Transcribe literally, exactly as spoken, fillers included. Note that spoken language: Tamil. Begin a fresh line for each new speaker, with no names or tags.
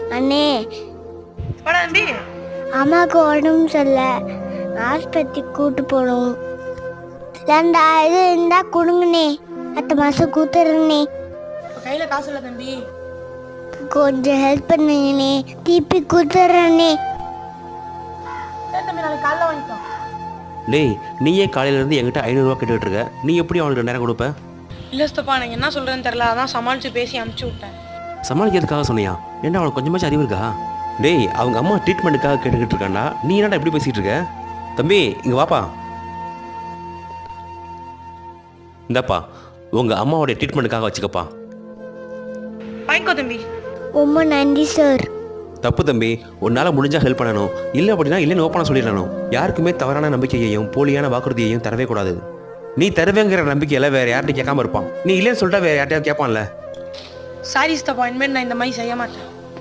அண்ணே
வாடா தம்பி.
அம்மாவுக்கு உடம்பு சரியில்ல, ஆஸ்பத்திரி கூட்டு போகணும். ரெண்டாயிரம் இருந்தா கொடுங்கண்ணே, அடுத்த மாசம் கூத்துறேண்ணே.
இப்போ கையில் காசு இல்லை தம்பி.
கொஞ்சம் ஹெல்ப் பண்ணுங்கண்ணே, திருப்பி கூத்துறேண்ணே.
சரி தம்பி, நாளைக்கு காலைல வாங்கிக்கோ.
டேய், நீயே காலையிலேருந்து என்கிட்ட ஐநூறுரூவா கேட்டுக்கிட்டு இருக்க, நீ எப்படி அவனுக்கு ரெண்டாயிரம் கொடுப்ப?
இல்லை சித்தப்பா, எனக்கு என்ன சொல்கிறேன்னு தெரில, அதான் சமாளித்து பேசி அமுச்சு விட்டேன்.
சமாளிக்கிறதுக்காக சொன்னியா? ஏன்டா அவனுக்கு கொஞ்சமாச்சும் அறிவு இருக்கா? டேய், அவங்க அம்மா ட்ரீட்மெண்ட்டுக்காக கேட்டுக்கிட்டு இருக்காண்டா, நீ என்னடா எப்படி பேசிகிட்டு இருக்க? தம்பி இங்கே வாப்பா. இந்தாப்பா, உங்கள் அம்மாவோடைய ட்ரீட்மெண்ட்டுக்காக வச்சுக்கப்பா.
வாங்கிக்கோ தம்பி.
ரொம்ப நன்றி சார்.
தப்பு தம்பி, உன்னால் முடிஞ்சால் ஹெல்ப் பண்ணணும், இல்லை அப்படின்னா இல்லைன்னு ஓப்பனாக சொல்லிடணும். யாருக்குமே தவறான நம்பிக்கையையும் போலியான வாக்குறுதியையும் தரவே கூடாது. நீ தருவேங்கிற நம்பிக்கையில் வேறு யார்கிட்ட கேட்காம இருப்பான், நீ இல்லைன்னு சொல்லிட்டா வேறு யார்ட்டையாவது கேட்பான்ல.
சாரி சித்தப்பா, இனிமேல் நான் இந்த மாதிரி செய்ய மாட்டேன்.